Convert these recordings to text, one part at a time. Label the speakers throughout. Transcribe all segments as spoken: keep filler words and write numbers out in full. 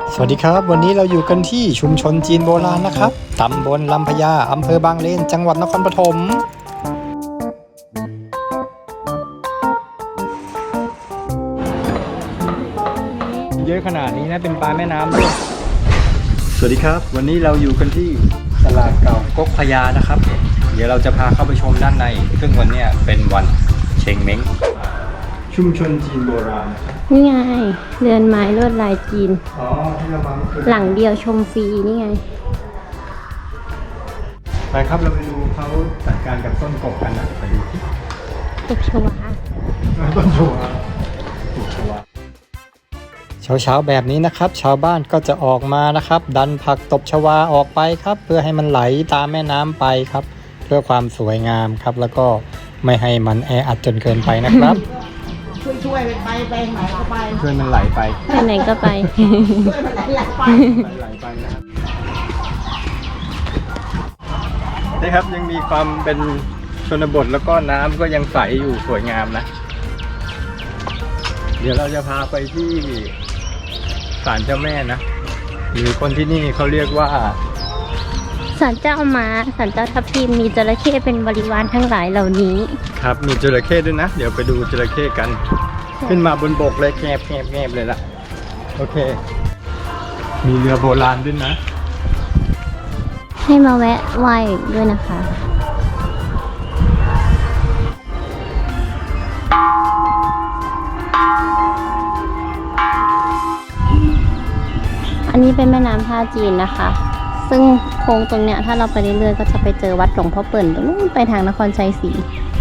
Speaker 1: สวัสดีครับวันนี้เราอยู่กันที่ชุมชนจีนโบราณนะครับตำบลลำพญาอำเภอบางเลนจังหวัดนครปฐมเยอะขนาดนี้นะเป็นปลาแม่น้ำด้วยสวัสดีครับวันนี้เราอยู่กันที่ตลาดเก่าก๊กพญานะครับเดี๋ยวเราจะพาเข้าไปชมด้านในซึ่งวันนี้เป็นวันเชงเม้งชุมชนจีนโบราณ
Speaker 2: นี่ไงเรือนไม้ลวดลายจีน
Speaker 1: อ๋อที่เรามา
Speaker 2: หลังเดียวชมฟรีนี่ไง
Speaker 1: ไปครับเราไปดูเขาจัดการกับต้นกบกันนะไปดูที่
Speaker 2: ตกชวา
Speaker 1: ต้นชวาต้นชวาเช้าๆแบบนี้นะครับชาวบ้านก็จะออกมานะครับดันผักตบชวาออกไปครับเพื่อให้มันไหลตามแม่น้ำไปครับเพื่อความสวยงามครับแล้วก็ไม่ให้มันแออัดจนเกินไปนะครับ
Speaker 3: ช่วยช่วยไปไปไหนก็ไป
Speaker 1: ช่วยมันไหลไป
Speaker 2: ไปไหนก็ไป
Speaker 3: ช่วยมันไหลไหลไป
Speaker 1: ไหลไปนะครับนี่ครับยังมีความเป็นชนบทแล้วก็น้ำก็ยังใสอยู่สวยงามนะเดี๋ยวเราจะพาไปที่ศาลเจ้าแม่นะหรือคนที่นี่เขาเรียกว่า
Speaker 2: ศาลเจ้าม้าศาลเจ้าทับทิมมีจระเข้เป็นบริวารทั้งหลายเหล่านี้
Speaker 1: ครับมีจระเข้ด้วยนะเดี๋ยวไปดูจระเข้กันขึ้นมาบนบกเลยแงบแงบแงบเลยล่ะโอเคมีเรือโบราณด้วยนะ
Speaker 2: ให้มาแวะไหว้ด้วยนะคะอันนี้เป็นแม่น้ำท่าจีนนะคะซึ่งโค้งตรงเนี้ยถ้าเราไปเรื่อยๆก็จะไปเจอวัดหลวงพ่อเปิ่นตรงนู้นไปทางนครชัยศรี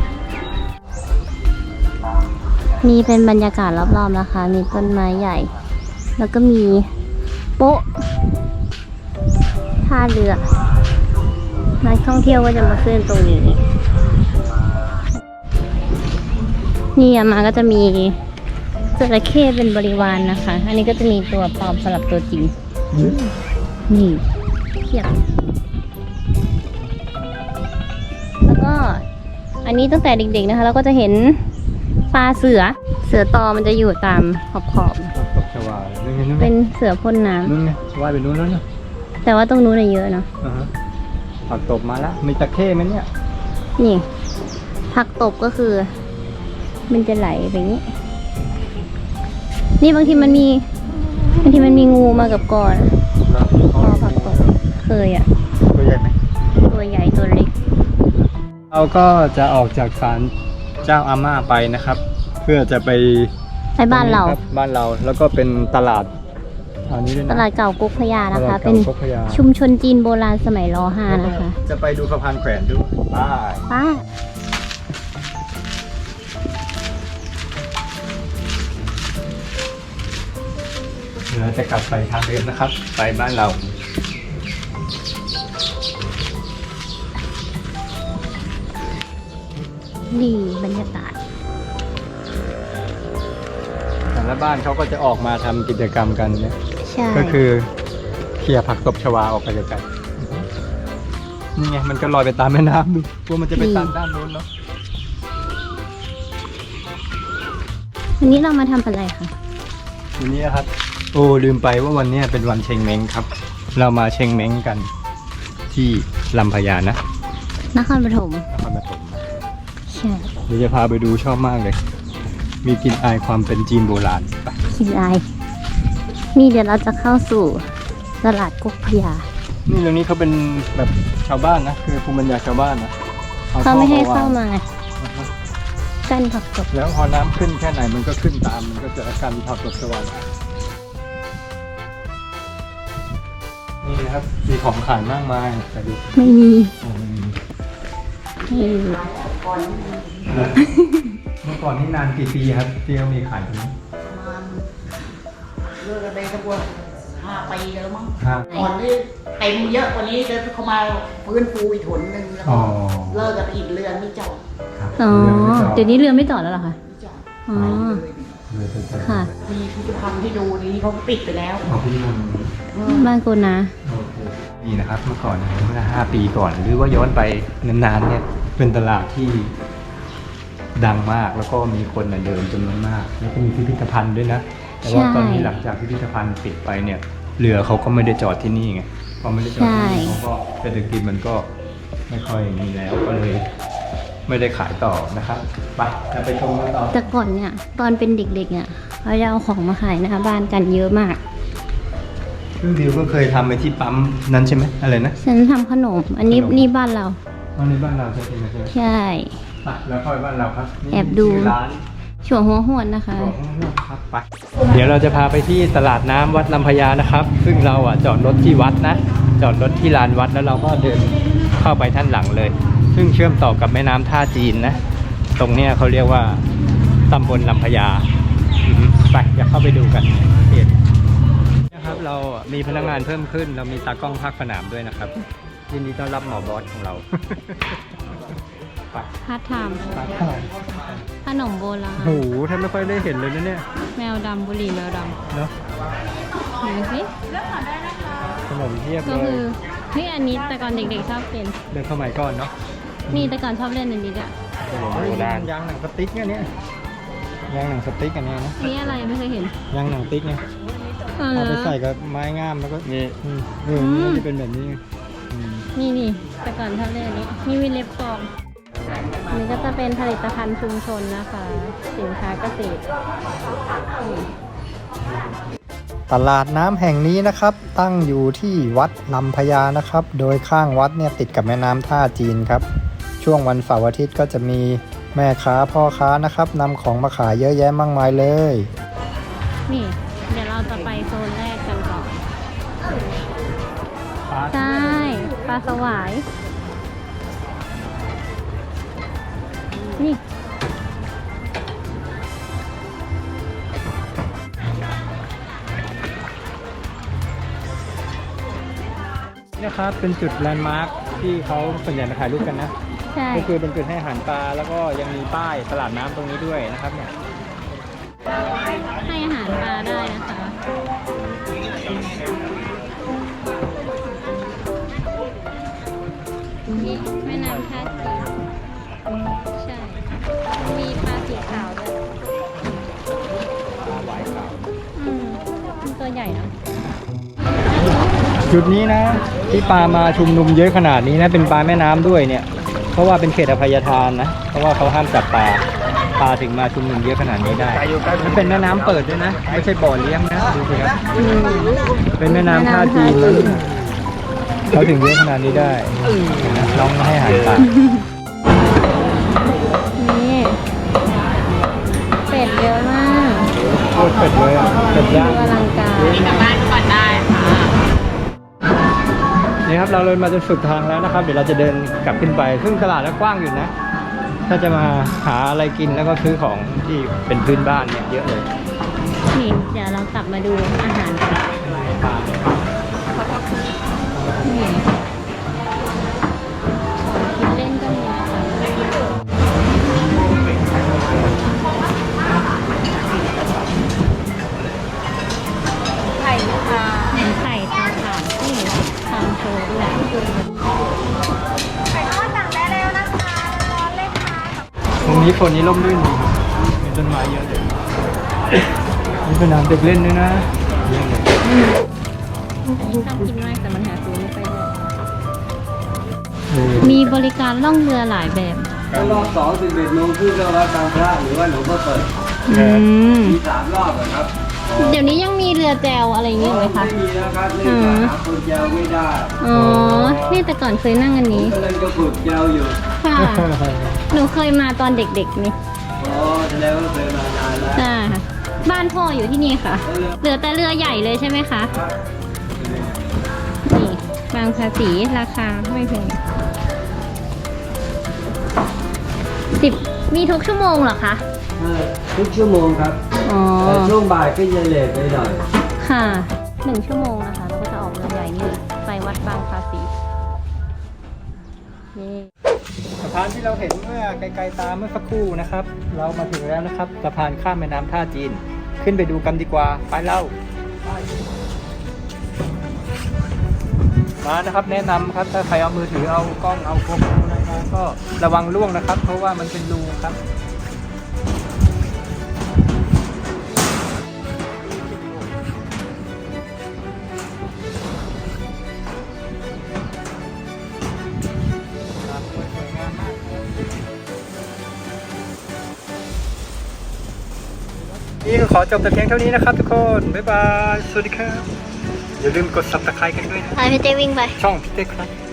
Speaker 2: มีเป็นบรรยากาศรอบๆนะคะมีต้นไม้ใหญ่แล้วก็มีโป๊ะท่าเรือนักท่องเที่ยวก็จะมาขึ้นตรงนี้นี่มาก็จะมีจระเข้เป็นบริวารนะคะอันนี้ก็จะมีตัวปลอมสลับตัวจริงนี่เทียบแล้วก็อันนี้ตั้งแต่เด็กๆนะคะเราก็จะเห็นปลาเสือเสือตอมันจะอยู่ตามขอบขอบเป็นเสือพ่นน้ำ
Speaker 1: นู่นไงว่ายไปนู่นแล้วเนาะ
Speaker 2: แต่ว่าตรงนู้นเยอะเนาะ
Speaker 1: ผักตบมาแล้วมีตะเข้ไหมเนี่ย
Speaker 2: นี่ผักตบก็คือมันจะไหลไปอย่างนี้นี่บางทีมันมีบางทีมันมีงูมากับก่อนพอผักตบเคยอ่ะ
Speaker 1: ตัวใหญ่ไหม
Speaker 2: ตัวใหญ่ตัวเล็ก
Speaker 1: เราก็จะออกจากศาลเจ้าอาม่าไปนะครับ เพื่อจะไป
Speaker 2: ไปบ้านเรา
Speaker 1: บ้านเราแล้วก็เป็นตลาดอันนี้ด้วยนะ
Speaker 2: ตลาดเก่าก๊กพญานะคะเป็นชุมชนจีนโบราณสมัยร.ห้านะคะ
Speaker 1: จะไปดูสะพานแขวนด้วยป้า
Speaker 2: ป้า
Speaker 1: เราจะกลับไปทางเดิมนะครับไปบ้านเรา
Speaker 2: ดีบรรยากาศ
Speaker 1: แต่ละบ้านเขาก็จะออกมาทำกิจกรรมกันเนี่ยก็คือเคลียร์ผักตบชวาออกไปไกลๆนี่ไงมันก็ลอยไปตามแม่น้ำดูกลัวมันจะไปตันด้านโน้นเนาะ
Speaker 2: วันนี้เรามาทำอะไรคะ
Speaker 1: วันนี้ครับโอ้ลืมไปว่าวันนี้เป็นวันเชงเม้งครับเรามาเชงเม้งกันที่ลำพญานะ
Speaker 2: นครปฐม
Speaker 1: นครปฐม
Speaker 2: ใช่
Speaker 1: เดี๋ยวจะพาไปดูชอบมากเลยมีกลิ่นอายความเป็นจีนโบราณไป
Speaker 2: กลิ่นอายนี่เดี๋ยวเราจะเข้าสู่ตลาดก๊กพญา
Speaker 1: นี่ตรงนี้เขาเป็นแบบชาวบ้านนะคือภูมิปัญญาชาวบ้านนะ
Speaker 2: เขาไม่ให้เข้ามากั้นผักตบ
Speaker 1: แล้วพอน้ำขึ้นแค่ไหนมันก็ขึ้นตามมันก็จะกันผักตบชวานี่นะครับมีของขายมากมายแต่ดู
Speaker 2: ไม่มี
Speaker 1: ไม่มีเมื่อก่อนนี่นานกี่ปีครับที่เขามีขายตรงนี้
Speaker 3: เลิกกันไปสักวันห้าปีแล้วมั้งก่อนนี่เต็มเยอะกว่านี้เดินเข้ามาฟื้นฟูอีกหนหนึ่งแล้วก็เลิกกันอีกเรือนไม่จอด
Speaker 2: อ๋อเดี๋ยวนี้เรือไม่จอดแล้วเหรอคะ
Speaker 3: ไม่จอด
Speaker 2: อ๋อค่ะ
Speaker 3: มีพิพิธภัณฑ์ที่ดูนี้เขาปิดไปแล้ว
Speaker 2: บ้านกูนะ
Speaker 1: นี่นะครับเมื่อก่อนเมื่อห้าปีก่อนหรือว่าย้อนไปนานๆเนี่ยเป็นตลาดที่ดังมากแล้วก็มีคนเดินจำนวนมากแล้วก็มีพิพิธภัณฑ์ด้วยนะแต่ว่าตอนนี้หลังจากพิพิธภัณฑ์ปิดไปเนี่ยเรือเขาก็ไม่ได้จอดที่นี่ไงพอไม่ได้จอดที่นี่
Speaker 2: ใช่
Speaker 1: เขาก็เศรษฐกิจมันก็ไม่ค่อยมีแล้วก็เลยไม่ได้ขายต่อนะครับไปจะไปชมกันต่อ
Speaker 2: แต่ก่อนเนี่ยตอนเป็นเด็กๆเนี่ยเขาจะเอาของมาขายหน้าบ้านกันเยอะมาก
Speaker 1: ซึ่งดิวก็เคยทำไปที่ปั๊มนั้นใช่ไหมอะไรนะ
Speaker 2: ฉันทำขนม อันนี้
Speaker 1: ขนม
Speaker 2: นี่บ้านเรา
Speaker 1: อ๋อในบ้านเราใช่ไหมใช่ไหม
Speaker 2: ใช่
Speaker 1: ไปแล้วค่อยบ้านเราครับนี่
Speaker 2: แอบดู
Speaker 1: ชื่ร้าน
Speaker 2: ช่วงหัวหวนนะคะ
Speaker 1: ครับไปเดี๋ยวเราจะพาไปที่ตลาดน้ำวัดลำพญานะครับ ซึ่งเราอ่ะจอดรถที่วัดนะ จอดรถที่ลานวัดแล้วเราก็เดินเข้าไปท่านหลังเลย ซึ่งเชื่อมต่อกับแม่น้ำท่าจีนนะ ตรงเนี้ยเขาเรียกว่าตำบลลำพญาอือฮึไปอยากเข้าไปดูกันเห็นนะครับเรามีพนักงานเพิ่มขึ้น เรามีตากล้องภาคสนามด้วยนะครับยินดีต้อนรับหมอบอสของเรา ไป
Speaker 2: พาร์ทไทม์
Speaker 1: ไป
Speaker 2: ขนมโบราณ
Speaker 1: โอ้โหแทบไม่ค่อยได้เห็นเลยนะเนี่ย
Speaker 2: แมวดำบุหรี่แมวด
Speaker 1: เนาะ
Speaker 2: ำดูสิ
Speaker 1: ขนมเทียบ
Speaker 2: ก็
Speaker 1: เล
Speaker 2: คื
Speaker 1: ย
Speaker 2: อเฮ้ยอันนี้แต่ก่อนเด็กๆชอบเป็น
Speaker 1: เดินเข้ามาก่อนเนาะ
Speaker 2: นี่แต่ก่อนชอบเล่นอันนี้ด้วย
Speaker 1: ขนมโบราณยางหนังสติ๊กเนี่ยเนี่ยยางหนังสติ๊กอันเนี้ยนะ
Speaker 2: นี่อะไรไม่เคยเห็น
Speaker 1: ยางหนังติ๊กเนี่ย
Speaker 2: เออ
Speaker 1: เอาไปใส่กับไม้งามแล้วก็นี่อืมเออ
Speaker 2: อืม
Speaker 1: มันจะเป็นแบบนี้ไงอืม
Speaker 2: นี่นี่แต่ก่อนชอบเล่นอันนี้นี่วิเล็บกองอันนี้ก็จะเป็นผลิตภัณฑ์ชุมชนนะคะ สินค้าเกษตรนี่
Speaker 1: ตลาดน้ำแห่งนี้นะครับ ตั้งอยู่ที่วัดลำพญานะครับ โดยข้างวัดเนี่ยติดกับแม่น้ำท่าจีนครับ ช่วงวันเสาร์อาทิตย์ก็จะมีแม่ค้าพ่อค้านะครับนำของมาขายเยอะแยะมากมายเลย
Speaker 2: นี่ เดี๋ยวเราจะไปโซนแรกกันก่อน ใช่ ปลาสวาย นี่
Speaker 1: นี่นะครับเป็นจุดแลนด์มาร์คที่เขาส่วนใหญ่มาถ่ายรูปกันนะ
Speaker 2: ใช่
Speaker 1: ก็คือเป็นจุดให้อาหารปลาแล้วก็ยังมีป้ายตลาดน้ำตรงนี้ด้วยนะครับเนี่ย
Speaker 2: ให้อาหารปลาได้นะคะ นี่แม่น้ำท่าจีนใช่ มีปลาสีขาวด้วย
Speaker 1: ปลาหวายขาว
Speaker 2: อืมมันตัวใหญ่นะ
Speaker 1: จุดนี้นะที่ปลามาชุมนุมเยอะขนาดนี้นะเป็นปลาแม่น้ำด้วยเนี่ย เพราะว่าเป็นเขตอภัยทานนะเพราะว่าเขาห้ามจับปลาปลาถึงมาชุมนุมเยอะขนาดนี้ได้มันเป็นแม่น้ำเปิดด้วยนะไม่ใช่บ่อเลี้ยงนะดูสิครับ
Speaker 2: อืม
Speaker 1: เป็นแม่น้ำท่าจีนนะเขาถึงเยอะขนาดนี้ได้เห็นไหมน้องให้อาหารปลา
Speaker 2: นี่ เป็ดเยอะมาก
Speaker 1: โคตรเป็ดเลยอ่ะเป็ดย่าง
Speaker 2: อลังการ
Speaker 1: นี่ครับเราเลยมาจนสุดทางแล้วนะครับ เดี๋ยวเราจะเดินกลับขึ้นไป ซึ่งตลาดก็กว้างอยู่นะ ถ้าจะมาหาอะไรกินแล้วก็ซื้อของที่เป็นพื้นบ้านเนี่ยเยอะเลย
Speaker 2: นี่เดี๋ยวเรากลับมาดูอาหารกัน
Speaker 1: ปลา
Speaker 2: นี่กินเล่นก็มีนะคะไข่ค่ะไข่ทางผ่านนี่ทางโชว์ด้วย
Speaker 1: ตรงนี้ฝนนี้ร่มรื่นดีมีต้นไม้เยอะเลยมีสนามเด็กเล่นด้วยนะเยอะเลย
Speaker 2: อันนี้ชอบกินมากแต่มันหาซื้อไม่ค่อยได้
Speaker 1: เออ
Speaker 2: มีบริการล่องเรือหลายแบบ
Speaker 4: ก็รอบสองสิบเอ็ดโมงครึ่งก็วัดบางพระหรือว่าหลวงพ่อเปิด
Speaker 2: อืม
Speaker 4: มีสามรอบอะครับ
Speaker 2: เดี๋ยวนี้ยังมีเรือแจวอะไรอย่างเงี้ยไหมคะ
Speaker 4: ไม่มีแล้วครับเนื่องจากหาคนเจวไม่ได้
Speaker 2: อ๋อ นี่แต่ก่อนเคยนั่งอันนี้
Speaker 4: กำลังจะฝึกเจวอยู่
Speaker 2: ค่ะ หนูเคยมาตอนเด็กๆนี่
Speaker 4: อ๋อแสดงว่าเคยมานานแล้ว
Speaker 2: จ้าค่ะบ้านพ่ออยู่ที่นี่ค่ะ เหลือแต่เรือใหญ่เลยใช่ไหมคะ นี่บางภาษีราคาไม่แพงสิบมีทุกชั่วโมงเหรอคะ
Speaker 4: เออทุกชั่วโมงครับ
Speaker 2: อ๋อ
Speaker 4: แต่ช่วงบ่ายก็จะเลทไปหน่อย
Speaker 2: ค่ะหนึ่งชั่วโมงนะคะเราก็จะออกเรือใหญ่นี่เลยไปวัดบางภาษีนี่
Speaker 1: สะพานที่เราเห็นเมื่อไกลๆตาเมื่อสักครู่นะครับ เรามาถึงแล้วนะครับสะพานข้ามแม่น้ำท่าจีน ขึ้นไปดูกันดีกว่าไปเล่ามานะครับ แนะนำครับถ้าใครเอามือถือเอากล้องเอาโฟกัสอะไรมาก็ระวังล่วงนะครับ เพราะว่ามันเป็นรูครับนี่ก็ขอจบแต่เพียงเท่านี้นะครับทุกคน บ๊ายบาย สวัสดีครับ อย่าลืมกด ซับสไครบ์ กันด้วยนะ
Speaker 2: พาพี่เต้วิ่งไป
Speaker 1: ช่องพี่เต้ครับ